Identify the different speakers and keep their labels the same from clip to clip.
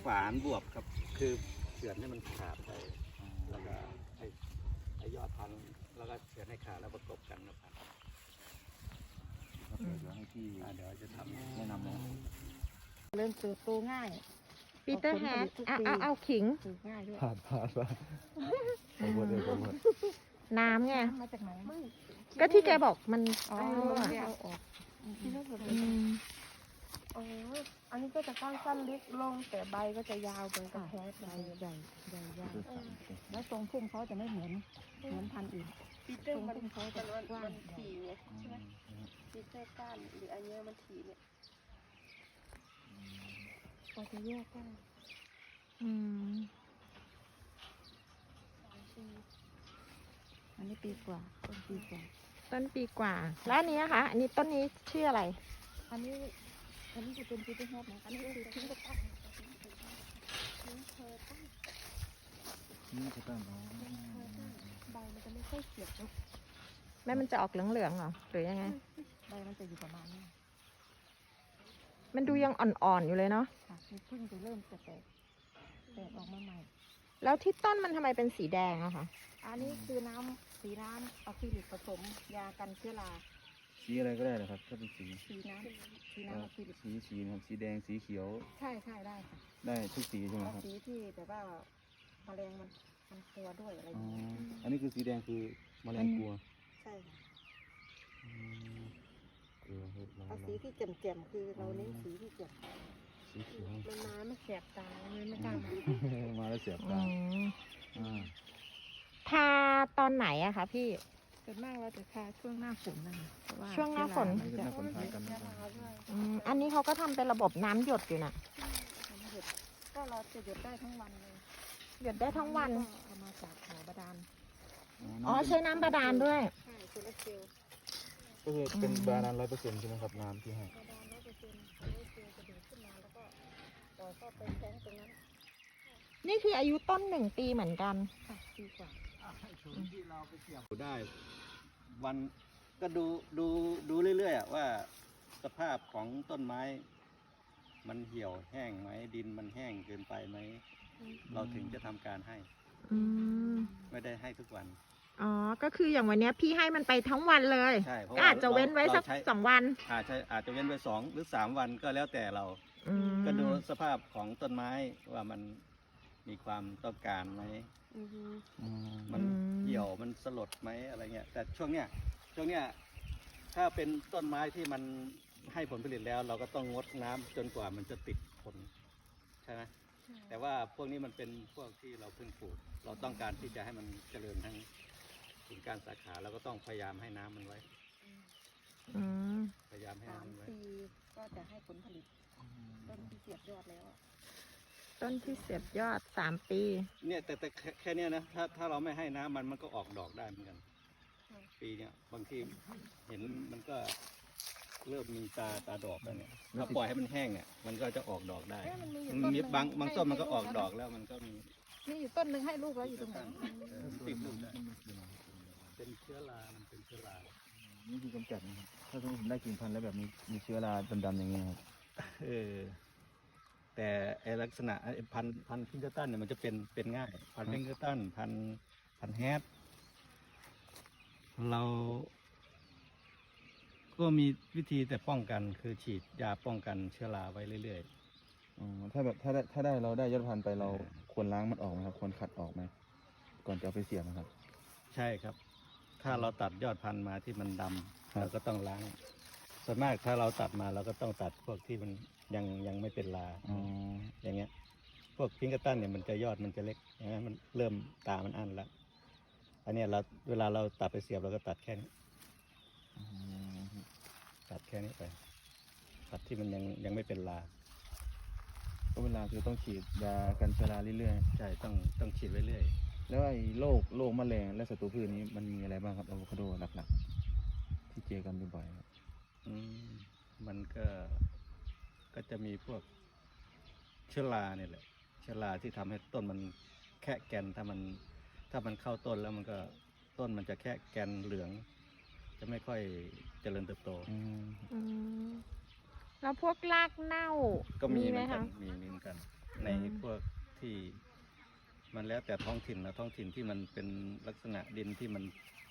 Speaker 1: ฝานบวบครับคือเฉือนให้มันขาดไปแล้วก็ไอ้ยอดพันธุ์แล้วก็เฉือนให้ขาดแล้วประกบกันนะพันธุ์
Speaker 2: เดี๋ยวให้พี่
Speaker 1: เดี๋ยวจะทำ
Speaker 2: แนะนำนะ
Speaker 3: เริ่มเติบโตง่าย
Speaker 4: ปีเตอร์แฮด
Speaker 3: ออกผลผลิตทุกปี
Speaker 4: เอาขิง
Speaker 3: ปลูกง่ายด้วย
Speaker 2: ผ่านขอโทษเลยขอโทษ
Speaker 4: น้ำไง
Speaker 3: มาจากไหน
Speaker 4: ก็ที่แกบอกมัน
Speaker 3: อ๋อ
Speaker 4: เอาอะ
Speaker 3: เอาออก
Speaker 4: อืม
Speaker 5: อ๋อ อันนี้ก็จะก้านสั้นเล็กลงแต่ใบก็จะยาวเหมือนกับแคส
Speaker 3: ใหญ่ใหญ่ใหญ่ใหญ่
Speaker 2: คือสามโอเค
Speaker 3: แล้วทรงพุ่มเขาจะไม่เหมือนพันธุ์อื่น
Speaker 5: ปีเตอร์มัน
Speaker 3: ตรงเขาจะ
Speaker 5: มัน
Speaker 3: กว้าง
Speaker 5: ถี่ไงใช่ไหมปีเตอร์ก้านหรืออันเนี้ยมันถี่เนี่ย
Speaker 3: พอจะแยกได้
Speaker 4: อืม
Speaker 3: อันนี้ปีกว่าต้นปีกว่า
Speaker 4: ต้นปีกว่า แล้วอันนี้นะคะ อันนี้ต้นนี้ชื่ออะไร
Speaker 3: อันนี้จะเป็นปีเตอร์แฮดนะอันนี้คือทิ้งกระตั้ง
Speaker 2: นี่จะตั้งอ๋อ
Speaker 5: ใบมันจะไม่ค่อยเขียวนะ
Speaker 4: แม่มันจะออกเหลืองๆเหรอ หรือยังไง
Speaker 3: ใบมันจะอยู่ประมาณนี้
Speaker 4: มันดูยังอ่อนๆอยู่เลยเนาะ
Speaker 3: ค่ะมีพึ่งจะเริ่มจะแตกออกมาใหม่
Speaker 4: แล้วที่ต้นมันทำไมเป็นสีแดงอะคะ
Speaker 3: อันนี้คือสีน้ำอะคริลิกผสมยากันเชื้อรา
Speaker 2: สีอะไรก็ได้เหรอครับถ้าเป็นสี
Speaker 3: สีน้ำอะคริลิก
Speaker 2: สีนะครับสีแดงสีเขียว
Speaker 3: ใช่ได้ค่ะ
Speaker 2: ได้ทุกสีใช่ไหม
Speaker 3: เอา
Speaker 2: ครับ
Speaker 3: สีที่แบบว่าแมลงมันกลัวด้วยอะไรอ
Speaker 2: อ๋อย่าง
Speaker 3: เงี้ย
Speaker 2: อันนี้คือสีแดงคือแมลงกลัว
Speaker 3: ใช่ค่ะ
Speaker 2: กลัวเห็ดมา
Speaker 3: เอาสีที่แจ่มๆคือเราเน้นสีที่แจ่ม
Speaker 2: สีเขียว
Speaker 5: มันมาไม่แสบตาเลยไม่กล้ามา
Speaker 2: มาแล้วเสียบ
Speaker 4: อื
Speaker 2: ตาม
Speaker 4: ทาตอนไหนอะคะพี่
Speaker 3: ส่วนมากเราจะทาช่วงหน้าฝนนั่นเพราะว่า
Speaker 4: ช่วงหน้าฝน
Speaker 2: อันนี้ก็น่าสนใจกันนะครับ
Speaker 4: อันนี้เขาก็ทำเป็นระบบน้ำหยดอยู่น่ะ
Speaker 3: มันหยุดก็เราจะหยุดได้ทั้งวันเลย
Speaker 4: หยดได้ทั้งวัน
Speaker 3: ก็เอามาจากบ่อบาดาล
Speaker 4: อ๋อใช้น้ำบาดาลด้วย
Speaker 3: ใช่โซลาร์เซลล์
Speaker 2: ก็คือเป็นบาดาล100%ใช่ไหมครับน้ำที่ให้
Speaker 3: บาดาล100%โซลาร์เซลล์จะดูดขึ้นมาแล้วก็ต่อเข้าไปแทงตรงนั้น
Speaker 4: นี่คืออายุต้น1 ปีเหมือนกัน
Speaker 3: ค่ะดีกว่า
Speaker 1: ที่เราไปเกี่ยวได้วันก็ดูเรื่อยๆอะว่าสภาพของต้นไม้ มันเหี่ยวแห้งไหมดินมันแห้งเกินไปไหมเราถึงจะทำการให้
Speaker 4: อืม
Speaker 1: ไม่ได้ให้ทุกวัน
Speaker 4: อ๋อ ก็คืออย่างวันเนี้ยพี่ให้มันไปทั้งวันเลย
Speaker 1: ใช่เพราะ
Speaker 4: ก็
Speaker 1: ว่า
Speaker 4: อาจจะเว้นไว้สัก
Speaker 1: เราใช้
Speaker 4: 2 วัน
Speaker 1: อาจจะเว้นไว้2 หรือ 3 วันก็แล้วแต่เรา
Speaker 4: อืม
Speaker 1: ก็ดูสภาพของต้นไม้ว่ามันมีความต้องการไหม
Speaker 5: อือฮึ
Speaker 1: มันเหี่ยวมันสลดไหมอะไรเงี้ยแต่ช่วงเนี้ยถ้าเป็นต้นไม้ที่มันให้ผลผลิตแล้ว เราก็ต้องงดน้ำจนกว่ามันจะติดผลใช่ไหมแต่ว่าพวกนี้มันเป็นพวกที่เราเพิ่งปลูกเราต้องการที่จะให้มันเจริญทั้งกิ่งก้านสาขาเราก็ต้องพยายามให้น้ำมันไว้
Speaker 4: อืม
Speaker 1: พยายามให้
Speaker 3: สาม
Speaker 1: น้ำมันไว้
Speaker 3: ปีก็จะให้ผลผลิตต้นที่เสียบยอดแล้วอะ
Speaker 4: ต้นที่เสียบยอด3 ปี
Speaker 1: เนี่ยแต่แค่เนี้ยนะถ้าเราไม่ให้น้ำมันก็ออกดอกได้เหมือนกัน ปีเนี้ยบางทีเห็นมันก็เริ่มมีตาดอกแล้วเนี่ยถ้าปล่อยให้มันแห้งเนี่ยมันก็จะออกดอกได้
Speaker 3: เอ๊ะมันมีอยู่
Speaker 1: มันมี
Speaker 3: ต้นหนึ่ง
Speaker 1: บางต้นมันก็
Speaker 3: ให้
Speaker 1: ออก
Speaker 3: ลูก
Speaker 1: ดอกแล้วมันก็มี
Speaker 3: มีอยู่ต้นหนึ่งให้ลูกแล้วอยู่ตรงไหน
Speaker 1: ติดลูกได้เป็นเชื้อรามันเป็นเชื้อรา
Speaker 2: นี่คือกำจัดนะครับถ้าสมมติผมได้กิ่งพันธุ์แล้วแบบมีเชื้อราดำๆอย่างเงี้ยครับ
Speaker 1: เออแต่ไอลักษณะไอ้พันธุ์พิงเกอร์ตันเนี่ยมันจะเป็นง่าย พันธุ์พิงเกอร์ตันพันธุ์แฮดเรา ก็มีวิธีแต่ป้องกันคือฉีดยาป้องกันเชื้อราไว้เรื่อย
Speaker 2: อ๋อถ้าแบบถ้าได้เราได้ยอดพันธุ์ไปเราควรล้างมันออกไหมครับควรขัดออกไหมก่อนจะเอาไปเสียบนะครับ
Speaker 1: ๆ ใช่ครับ ถ้าเราตัดยอดพันธุ์มาที่มันดำ
Speaker 2: ครับ
Speaker 1: เราก็ต้องล้าง ส่วนมากถ้าเราตัดมาเราก็ต้องตัดพวกที่มันยังไม่เป็นรา
Speaker 2: อ๋อ
Speaker 1: อย่างเงี้ย พวกพิงเกอร์ตันเนี่ยมันจะยอดมันจะเล็กอย่างเงี้ยมันเริ่มตามันอั้นแล้วอันเนี้ยเวลาเราตัดไปเสียบเราก็ตัดแค่นี้
Speaker 2: อืม
Speaker 1: ตัดแค่นี้ไปตัดที่มันยังไม่เป็นรา
Speaker 2: ก็เวลาคือต้องฉีดยากันเชื้อราเรื่อย
Speaker 1: ใช่ต้องฉีดไว้เรื่อย
Speaker 2: ๆแล้วไอ้โรคแมลงและศัตรูพืชนี้มันมีอะไรบ้างครับอะโวคาโดหลักๆที่เจอกันบ่อยๆครับ
Speaker 1: มันก็จะมีพวกเชื้อราเนี่ยแหละเชื้อราที่ทำให้ต้นมันแค่แกนถ้ามันเข้าต้นแล้วมันก็ต้นมันจะแค่แกนเหลือง จะไม่ค่อยเจริญเติบโต
Speaker 2: อืม
Speaker 4: อืม แล้วพวกรากเน่า
Speaker 1: ก็มีเห
Speaker 4: ไห
Speaker 1: มื
Speaker 4: ม
Speaker 1: อนกั
Speaker 4: คะ
Speaker 1: นมีเหมือนกันในพวกที่มันแล้วแต่ท้องถิ่นนะท้องถิ่นที่มันเป็นลักษณะดินที่มัน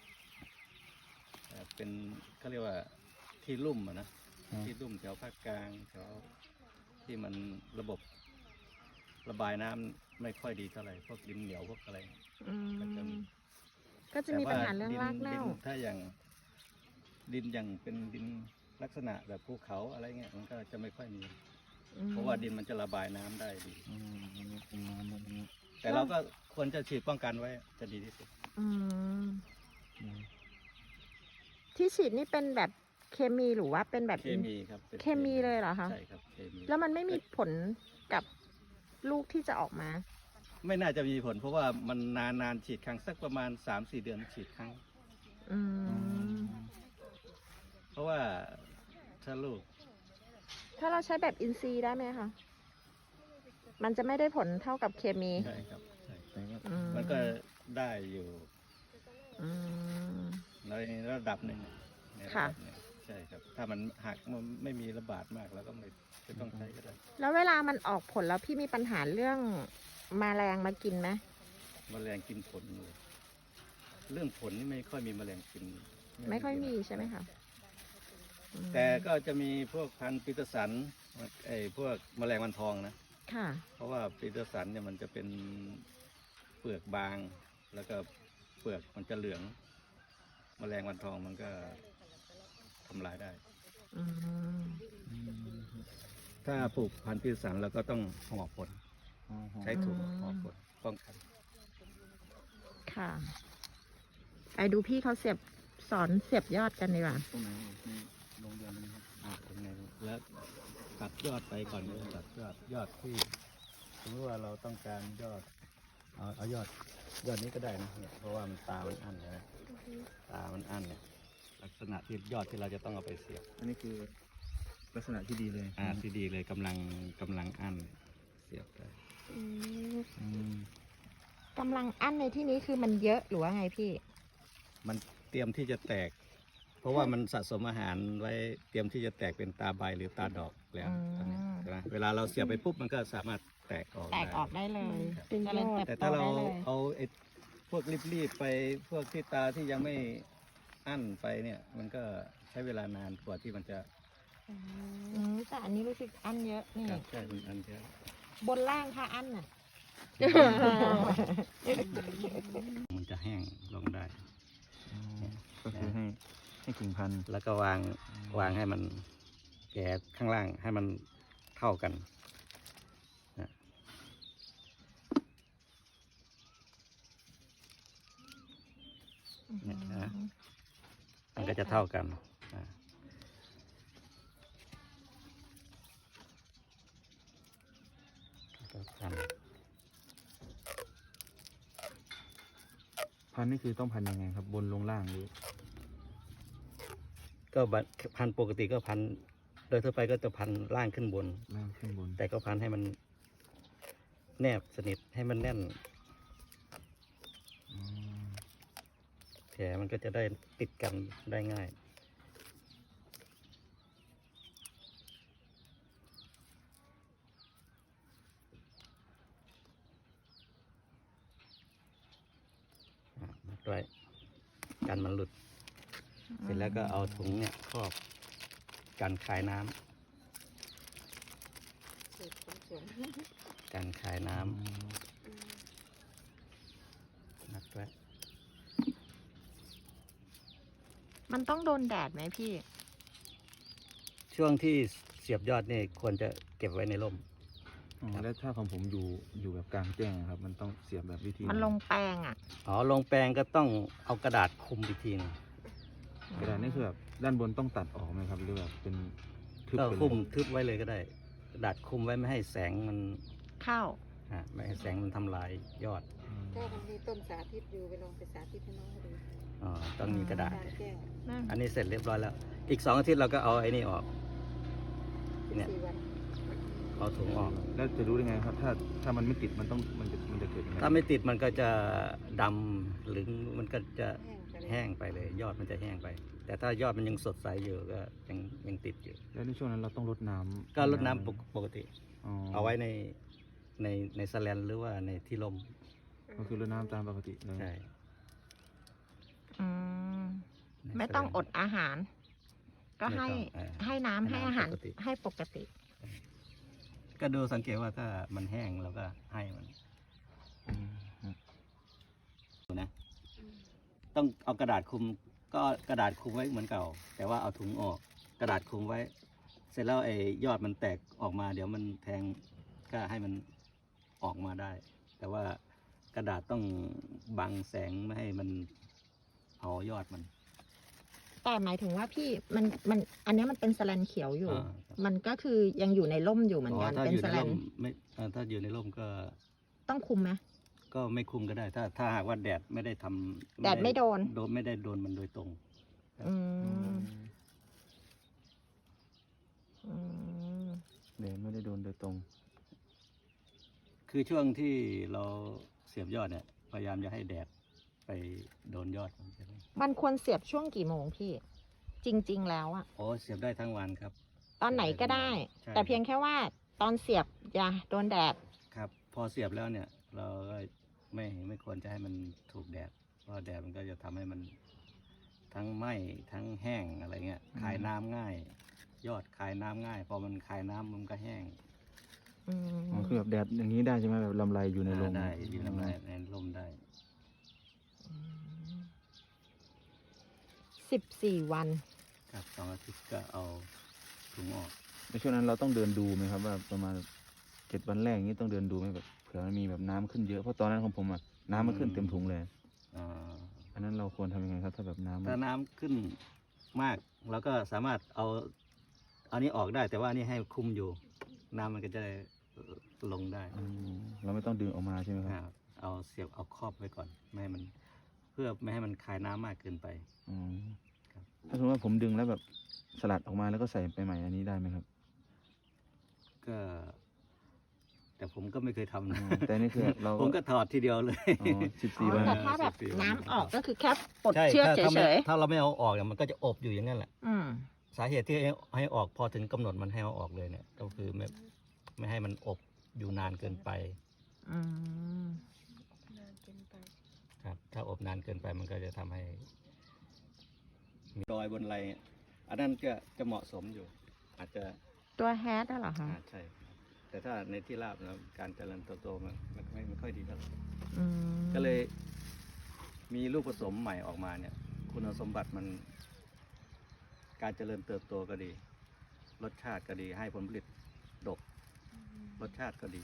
Speaker 1: เป็นเขาเรียกว่าที่ลุ่มอะนะที่ลุ่มแถวภาคกลางแถวที่มันระบบระบายน้ำไม่ค่อยดีเท่าไหร่พวกดินเหนียวพวกอะไร
Speaker 4: อื
Speaker 1: ก็จะ
Speaker 4: ม
Speaker 1: มี
Speaker 4: ก็จะมีปัญหาเรื่องรากเน่า
Speaker 1: ถ้าอย่างดินอย่างเป็นดินลักษณะแบบภูเขาอะไรเงี้ยมันก็จะไม่ค่อยมี เพราะว่าดินมันจะระบายน้ำได้ดี
Speaker 2: อืมอันนี้เป็นน้ำแบบนี้
Speaker 1: แต่เราก็ควรจะฉีดป้องกันไว้จะดีที่สุด
Speaker 4: อืม
Speaker 2: อืม
Speaker 4: ที่ฉีดนี่เป็นแบบเคมีหรือว่าเป็นแบบ
Speaker 1: เคมีครับป็น
Speaker 4: เคมีเลยเหรอคะ
Speaker 1: ใช่ครับเคมี
Speaker 4: แล้วมันไม่มีผลกับลูกที่จะออกมา
Speaker 1: ไม่น่าจะมีผล เพราะว่ามันนานฉีดครั้งสักประมาณ 3-4 เดือนฉีดครั้ง
Speaker 4: อืม
Speaker 1: เพราะว่าถ้าลูก
Speaker 4: ถ้าเราใช้แบบอินทรีย์ได้ไหมคะ มันจะไม่ได้ผลเท่ากับเคมี
Speaker 1: ใช่ครับใช่
Speaker 2: แต่ก็
Speaker 4: อืม
Speaker 1: มันก็ได้อยู่
Speaker 4: อืม
Speaker 1: ในระดับหนึ่งในระ
Speaker 4: ค่ะ
Speaker 1: ดับหนึ่งใช่ครับ ถ้ามันหักมันไม่มีระบาดมากแล้วก็ไม่ต้องใช้ก็ได้
Speaker 4: แล้วเวลามันออกผลแล้วพี่มีปัญหาเรื่องแมลงมากินไหม
Speaker 1: แมลงกินผลเลยเรื่องผลนี่ไม่ค่อยมีแมลงกิน
Speaker 4: ไม่ค่อยมีใช่ไหมคะอืม
Speaker 1: แต่ก็จะมีพวกพันธุ์ปีเตอร์สันไอ้พวกแมลงวันทองนะ
Speaker 4: ค่ะ
Speaker 1: เพราะว่าปีเตอร์สันเนี่ยมันจะเป็นเปลือกบาง แล้วก็เปลือกมันจะเหลือง แมลงวันทองมันก็ทำลายได้
Speaker 4: อืม
Speaker 1: ถ้าปลูกพันธุ์ปีเตอร์สันเราก็ต้องห่อผล
Speaker 2: อ๋อ
Speaker 1: ใช้ถุงห่อผลป้องกัน
Speaker 4: ค่ะไปดูพี่เขาสอนเสียบยอดกันดีกว่า
Speaker 2: ตรงไหนที่โรงเรียนนี้ครับ
Speaker 1: ตรงไหนแล้วตัดยอดไปก่อนเลยตัดยอดที่สมมติว่าเราต้องการยอดเอายอดนี้ก็ได้นะเนี่ยเพราะว่ามันตามันอั้นนะตามันอั้นเนี่ยลักษณะที่ยอดที่เราจะต้องเอาไปเสียบ
Speaker 2: อันนี้คือลักษณะที่ดีเลย
Speaker 1: ที่ดีเลยกำลังอั้นเสียบได้
Speaker 4: อืม
Speaker 2: อืม
Speaker 4: กำลังอั้นในที่นี้คือมันเยอะหรือว่าไงพี่
Speaker 1: มันเตรียมที่จะแตก เพราะว่ามันสะสมอาหารไว้เตรียมที่จะแตกเป็นตาใบหรือตาดอกแล้ว
Speaker 4: อืม
Speaker 1: ตอนนี้ใช่ไหมเวลาเราเสียบไปปุ๊บมันก็สามารถแตกออก
Speaker 4: แตกออกได้เลย
Speaker 5: เป็นยอด
Speaker 1: แต่ถ้าเราเอาไอ้พวกรีบๆไปพวกที่ตาที่ยังไม่อั้นไปเนี่ย มันก็ใช้เวลานานกว่าที่มันจะ
Speaker 4: แต่อันนี้รู้สึกอั้นเยอะนี่
Speaker 1: ครับใช่มันอั้นเยอะ
Speaker 4: บนล่างค่ะอั้นน่ะ
Speaker 1: มันจะแห้งลงได้
Speaker 2: อ๋อก็คือให้กิ่งพันธุ์
Speaker 1: แล้วก็วางให้มันแก่ข้างล่างให้มันเท่ากันนะเนี่ยนะมันก็จะเท่ากันนะก็พัน
Speaker 2: พันธุ์นี่คือต้องพันธุ์ยังไงครับ บนลงล่างหรือ
Speaker 1: ก็พันปกติก็พันโดยทั่วไปก็จะพันล่างขึ้นบน
Speaker 2: ล่างขึ้นบน
Speaker 1: แต่ก็พันให้มันแนบสนิทให้มันแน่น
Speaker 2: อ๋อ
Speaker 1: แผลมันก็จะได้ติดกันได้ง่าย มัดไว้กันมันหลุด เสร็จแล้วก็เอาถุงเนี่ยครอบกันคายน้ำกันคายน้ำมัดไว้
Speaker 4: มันต้องโดนแดดไหมพี่
Speaker 1: ช่วงที่เสียบยอดนี่ควรจะเก็บไว้ในร่ม
Speaker 2: อ๋อแล้วถ้าของผมอยู่แบบกลางแจ้งครับ มันต้องเสียบแบบวิธี
Speaker 4: มันลงแปลงอ่ะ
Speaker 1: อ๋อลงแปลงก็ต้องเอากระดาษคลุมอีกทีหนึง
Speaker 2: กระดาษนี่คือแบบด้านบนต้องตัดออกไหมครับ หรือแบบเป็นทึบ
Speaker 1: ก็
Speaker 2: ไป
Speaker 1: คลุม
Speaker 2: เลย
Speaker 1: ทึบไว้เลยก็ได้ กระดาษคลุมไว้ไม่ให้แสงมัน
Speaker 4: เข้า
Speaker 1: ไม่ให้แสงมันทำลายยอด
Speaker 2: อืม
Speaker 3: ถ้ามันมีต้นสาธิตอยู่ไปลองไปสาธิตให้น้องเขาดู
Speaker 1: อ๋อต้องมีกระดาษ
Speaker 3: กลางแจ้ง
Speaker 1: อันนี้เสร็จเรียบร้อยแล้ว อีก2 อาทิตย์เราก็เอาไอ้นี่ออกเนี่ย
Speaker 3: 4 วัน
Speaker 1: เอาถุงออก
Speaker 2: แล้วจะรู้ได้ไงครับ ถ้ามันไม่ติดมันจะเกิดยังไง
Speaker 1: ถ้าไม่ติดมันก็จะดำหรือมันก็จะ
Speaker 3: แห้งไปเลย
Speaker 1: แห้งไปเลย ยอดมันจะแห้งไป แต่ถ้ายอดมันยังสดใสอยู่ก็ยังติดอยู่
Speaker 2: แล้วในช่วงนั้นเราต้องรดน้ำ
Speaker 1: ก็รดน้ำปกติ
Speaker 2: อ๋อ
Speaker 1: เอาไว้ในในแสแลนหรือว่าในที่ร่ม
Speaker 2: ก็คือรดน้ำตามปกติเลย
Speaker 1: ใช่
Speaker 4: อืม
Speaker 1: ใน
Speaker 4: ไม่ต้อง
Speaker 1: แสลน
Speaker 4: อดอาหาร ก็ให้
Speaker 1: ไม่ต้อง
Speaker 4: ให้น้ำ
Speaker 1: ให้
Speaker 4: ให้
Speaker 1: น้ำ
Speaker 4: อาหาร
Speaker 1: ปกติ
Speaker 4: ให้ปกติ
Speaker 1: ก็ดูสังเกตว่าถ้ามันแห้งเราก็ให้มัน
Speaker 2: อืมครับ
Speaker 1: ดูนะ ต้องเอากระดาษคลุมก็กระดาษคลุมไว้เหมือนเก่า แต่ว่าเอาถุงออก กระดาษคลุมไว้ เสร็จแล้วไอ้ยอดมันแตกออกมา เดี๋ยวมันแทงก็ให้มันออกมาได้ แต่ว่ากระดาษต้องบังแสงไม่ให้มันเผายอดมัน
Speaker 4: แต่หมายถึงว่าพี่มันอันเนี้ยมันเป็นสแลนเขียวอยู่
Speaker 1: อ่าครับ
Speaker 4: มันก็คือยังอยู่ในร่มอยู่เหมือนกัน
Speaker 1: ถ้า
Speaker 4: เป็น
Speaker 1: อยู่
Speaker 4: ส
Speaker 1: ใน
Speaker 4: แล
Speaker 1: ร่
Speaker 4: น
Speaker 1: มไม่ถ้าอยู่ในร่มก็
Speaker 4: ต้องคุมไหม
Speaker 1: ก็ไม่คุมก็ได้ ถ้าหากว่าแดดไม่ได้ทำ
Speaker 4: แดดไม่โดน
Speaker 1: ไม่ได้โดนมันโดยตรง
Speaker 4: อื
Speaker 2: อื
Speaker 4: ม
Speaker 2: ม
Speaker 4: อืม
Speaker 2: แดดไม่ได้โดนโดยตรง
Speaker 1: คือช่วงที่เราเสียบยอดเนี่ย พยายามจะให้แดดไปโดนยอดมันใช่ไหม
Speaker 4: มันควรเสียบช่วงกี่โมงพี่ จริง ๆ แล้วอะ
Speaker 1: โอ้เสียบได้ทั้งวันครับ
Speaker 4: ตอนไหนก็ได้
Speaker 1: ใช่
Speaker 4: แต่เพียงแค่ว่าตอนเสียบอย่าโดนแดด
Speaker 1: ครับ พอเสียบแล้วเนี่ย เราก็ไม่ควรจะให้มันถูกแดด เพราะแดดมันก็จะทำให้มันทั้งไหม้ทั้งแห้งอะไรเงี้ย คายน้ำง่าย ยอดคายน้ำง่าย พอมันคายน้ำมันก็แห้ง
Speaker 4: อืม
Speaker 2: อ๋อคือแบบแดดอย่างนี้ได้ใช่ไหมแบบลำไรอยู่ในโรง
Speaker 1: ได้อยู่ในร่มได้
Speaker 4: 14 วัน
Speaker 1: ครับ2 อาทิตย์ก็เอาถุงออก
Speaker 2: ในช่วงนั้นเราต้องเดินดูไหมครับว่าประมาณ7 วันแรกอย่างนี้ต้องเดินดูไหมแบบเผื่อมันมีแบบน้ำขึ้นเยอะเพราะตอนนั้นของผมอะน้ำมันขึ้นเต็มถุงเลย
Speaker 1: อ่า
Speaker 2: อันนั้นเราควรทำยังไงครับถ้าแบบน้ำ
Speaker 1: ถ้าน้ำขึ้นมากเราก็สามารถเอาอันนี้ออกได้ แต่ว่าอันนี้ให้คุมอยู่ น้ำมันก็จะได้ลงได้
Speaker 2: อืมเราไม่ต้องดึงออกมาใช่ไหมครับ
Speaker 1: เอาเสียบเอาครอบไว้ก่อนไม่ให้มัน เพื่อไม่ให้มันคายน้ำมากเกินไป
Speaker 2: อืม
Speaker 1: ครับ
Speaker 2: ถ้าสมมติว่าผมดึงแล้วแบบสลัดออกมาแล้วก็ใส่ไปใหม่อันนี้ได้ไหมครับ
Speaker 1: ก็ แต่ผมก็ไม่เคยทำ
Speaker 2: อ๋
Speaker 1: นะ
Speaker 2: อแต่นี่คือเรา
Speaker 1: ผมก็ถอดทีเดียวเลย
Speaker 2: อ๋อ14 วัน
Speaker 4: แต่ถ้าแบบ
Speaker 1: 14
Speaker 4: น้ำออกก็คือแค่ปลด
Speaker 1: ใช่
Speaker 4: เชือก
Speaker 1: ถ้า
Speaker 4: เฉย
Speaker 1: ถ้าเราไม่เอาออกเนี่ยมันก็จะอบอยู่อย่างนั้นแหละ
Speaker 4: ๆอืม
Speaker 1: สาเหตุที่ให้ออกพอถึงกำหนดมันให้เอาออกเลยเนี่ย ก็คือไม่ให้มันอบอยู่นานเกินไป
Speaker 4: อืม
Speaker 5: นานเกินไป
Speaker 1: ครับ ถ้าอบนานเกินไปมันก็จะทำให้มีรอยบนไหล่อันนั้นก็จะเหมาะสมอยู่ อาจจะ
Speaker 4: ตัวแฮทเหรอคะ
Speaker 1: ใช่ครับแต่ถ้าในที่ราบแล้วการเจริญเติบโตมันไม่ค่อยดีเท่าไหร่
Speaker 4: อืม
Speaker 1: ก็เลยมีลูกผสมใหม่ออกมาเนี่ย คุณสมบัติมัน การเจริญเติบโตก็ดี รสชาติก็ดี ให้ผลผลิตดก รสชาติก็ดี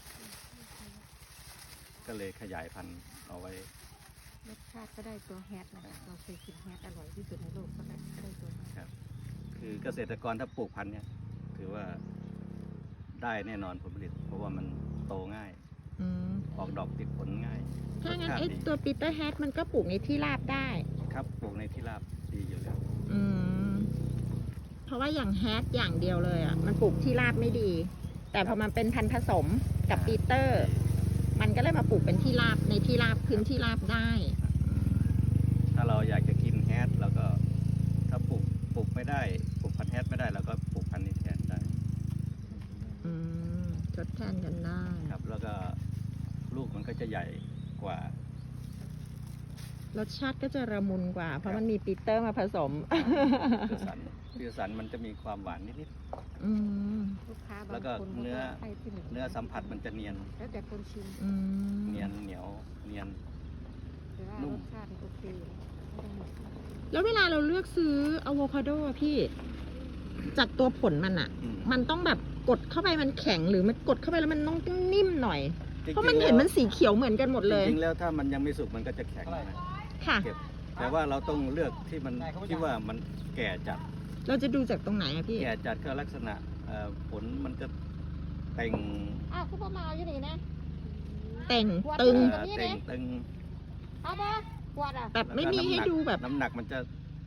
Speaker 1: ก็เลยขยายพันธุ์เอาไว้
Speaker 3: รสชาติก็ได้ตัวแฮทนะคะเราเคยกินแฮทอร่อยที่สุดในโลกก็ได้ตัวแฮท
Speaker 1: ครับ คือเกษตรกรถ้าปลูกพันธุ์เนี่ย ถือว่าได้แน่นอนผลผลิต เพราะว่ามันโตง่าย
Speaker 4: อืม
Speaker 1: ออกดอกติดผลง่าย
Speaker 4: ถ้างั้น
Speaker 1: รสชาติ
Speaker 4: ไอ้
Speaker 1: ดี
Speaker 4: ตัวปีเตอร์แฮทมันก็ปลูกในที่ราบได้
Speaker 1: ครับปลูกในที่ราบดีอยู่แล้ว
Speaker 4: อืม เพราะว่าอย่างแฮทอย่างเดียวเลยอ่ะ มันปลูกที่ราบไม่ดี แต่พอมันเป็นพันธุ์ผสมกับปีเตอร์ มันก็เลยมาปลูกเป็นที่ราบในที่ราบพื้นที่ราบได้
Speaker 1: ถ้าเราอยากจะกินแฮทเราก็ถ้าปลูกไม่ได้ปลูกพันธุ์แฮทไม่ได้เราก็ปลูกพันธุ์นี้แทนได้
Speaker 4: อืมทดแทนกันได้
Speaker 1: ครับ แล้วก็ลูกมันก็จะใหญ่กว่า
Speaker 4: รสชาติก็จะระมุนกว่า เพราะมันมีปีเตอร์มาผสม
Speaker 1: พิวสันมันจะมีความหวานนิด
Speaker 4: อืม
Speaker 3: ลูกค้า
Speaker 1: แล้
Speaker 3: บาง
Speaker 1: วก็
Speaker 3: คน
Speaker 1: เนื้อ
Speaker 3: ก็ให้ที่หนึ่ง
Speaker 1: เนื้อสัมผัสมันจะเนียน
Speaker 3: แล้วแต่คนชิม
Speaker 4: อืม
Speaker 1: เนียนเหนียวเนียน
Speaker 3: แต่ว่า
Speaker 1: นุ่
Speaker 3: ร
Speaker 1: ม
Speaker 3: สชาติมันโอเคอยู่ไม่ต้องหมด
Speaker 4: แล้วเวลาเราเลือกซื้ออะโวคาโดอะพี่ จากตัวผลมันอะ
Speaker 1: อืม
Speaker 4: มันต้องแบบกดเข้าไปมันแข็งหรือมันกดเข้าไปแล้วมันต้องนิ่มหน่อย
Speaker 1: จงๆ
Speaker 4: เพราะมันเห็นมันสีเขียวเหมือนกันหมดเลย
Speaker 1: จริงๆแล้วถ้ามันยังไม่สุกมันก็จะแข็งนะ
Speaker 4: ค่ะ
Speaker 1: เก็บแต่ว่าเราต้องเลือกที่มันที่ว่ามันแก่จัด
Speaker 4: เราจะดูจากตรงไหนอะพี่
Speaker 1: แก่จัดก็ลักษณะผลมันจะเต่ง
Speaker 3: อ้าวคุณพ่อมาอยู่นี่นะ
Speaker 4: เต่งตึง
Speaker 1: เต่งตึง
Speaker 3: เอาปะกวาดอ่ะ
Speaker 4: แบบไม่มีให้ดูแบบ
Speaker 1: น้ำหนักมันจะ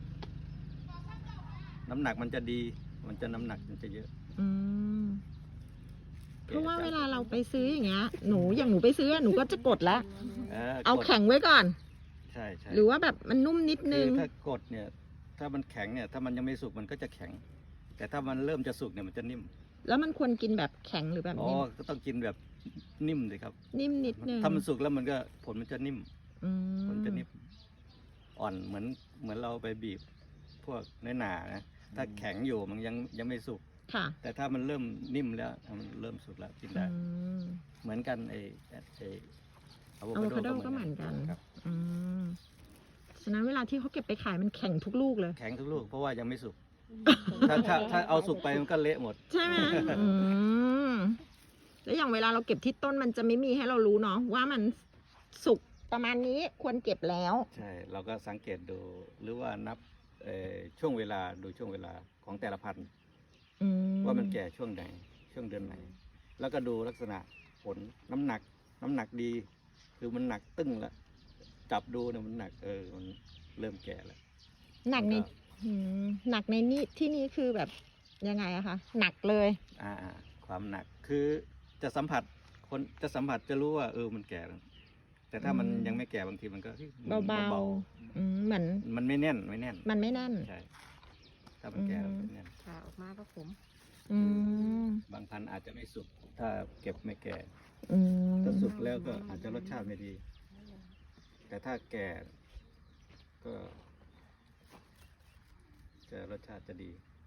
Speaker 1: น้ำหนักมันจะดี มันจะน้ำหนักมันจะเยอะ
Speaker 4: อืม เพราะว่าเวลาเราไปซื้ออย่างเงี้ย อย่างหนูไปซื้อหนูก็จะกดละ เอา
Speaker 1: กด
Speaker 4: แข็งไว้ก่อน
Speaker 1: ใช่ใช่
Speaker 4: หรือว่าแบบมันนุ่มนิดนึ
Speaker 1: คื
Speaker 4: ง
Speaker 1: อถ้ากดเนี่ย ถ้ามันแข็งเนี่ย ถ้ามันยังไม่สุกมันก็จะแข็ง แต่ถ้ามันเริ่มจะสุกเนี่ยมันจะนิ่ม
Speaker 4: แล้วมันควรกินแบบแข็งหรือแบบ
Speaker 1: อ๋อ
Speaker 4: นี้
Speaker 1: ก็ต้องกินแบบนิ่มเลยครับ
Speaker 4: นิ่มนิดนึง
Speaker 1: ถ้ามันสุกแล้วมันก็ผลมันจะนิ่ม
Speaker 4: อืม
Speaker 1: ผลจะนิ่มอ่อนเหมือนเราไปบีบพวกเนื้อหนานะถ้าแข็งอยู่มันยังไม่สุก
Speaker 4: ค่ะ
Speaker 1: แต่ถ้ามันเริ่มนิ่มแล้วมันเริ่มสุกแล้วกิน
Speaker 4: อื
Speaker 1: ได้
Speaker 4: ม
Speaker 1: เหมือนกันไอ้อะโว
Speaker 4: อะโวคา
Speaker 1: คา
Speaker 4: โด
Speaker 1: โด
Speaker 4: ก็เหมือนกัน
Speaker 1: ครับ
Speaker 4: อืมฉะนั้นเวลาที่เขาเก็บไปขายมันแข็งทุกลูกเลย
Speaker 1: แข็งทุกลูกเพราะว่ายังไม่สุก ถ้าเอาสุกไปมันก็เละหมด
Speaker 4: ใช่ไหมอืมแล้วอย่างเวลาเราเก็บที่ต้นมันจะไม่มีให้เรารู้เนาะว่ามันสุกประมาณนี้ควรเก็บแล้ว
Speaker 1: ใช่ เราก็สังเกตดูหรือว่านับช่วงเวลาดูช่วงเวลาของแต่ละพันธุ์
Speaker 4: อื
Speaker 1: ว่ามันแก่ช่วงไหนช่วงเดือนไหน แล้วก็ดูลักษณะผลน้ำหนักดี คือมันหนักตึ้งแล้วจับดูเนี่ยมันหนักมันเริ่มแก่แล้ว
Speaker 4: หนักใน
Speaker 1: แล้วก็
Speaker 4: หนักในนี่ที่นี่คือแบบยังไงอะคะหนักเลย
Speaker 1: ความหนักคือจะสัมผัสคนจะสัมผัสจะรู้ว่ามันแก่แล้วแต่ถ้ามันยังไม่แก่บางทีมันก็
Speaker 4: เบา
Speaker 1: เบา
Speaker 4: ๆเหมือน
Speaker 1: ๆมันไม่แน่น
Speaker 4: มันไม่แน่น
Speaker 1: ใช่ถ้ามันแก่แล้วมันไม่แน่น
Speaker 3: ผ่าออกมาก็ขม
Speaker 4: อืม
Speaker 1: บางพันธุ์อาจจะไม่สุกถ้าเก็บไม่แก่
Speaker 4: อืม
Speaker 1: ถ้าสุกแล้วก็อาจจะรสชาติไม่ดี แต่ถ้าแก่ก็จะรสชาติจะดี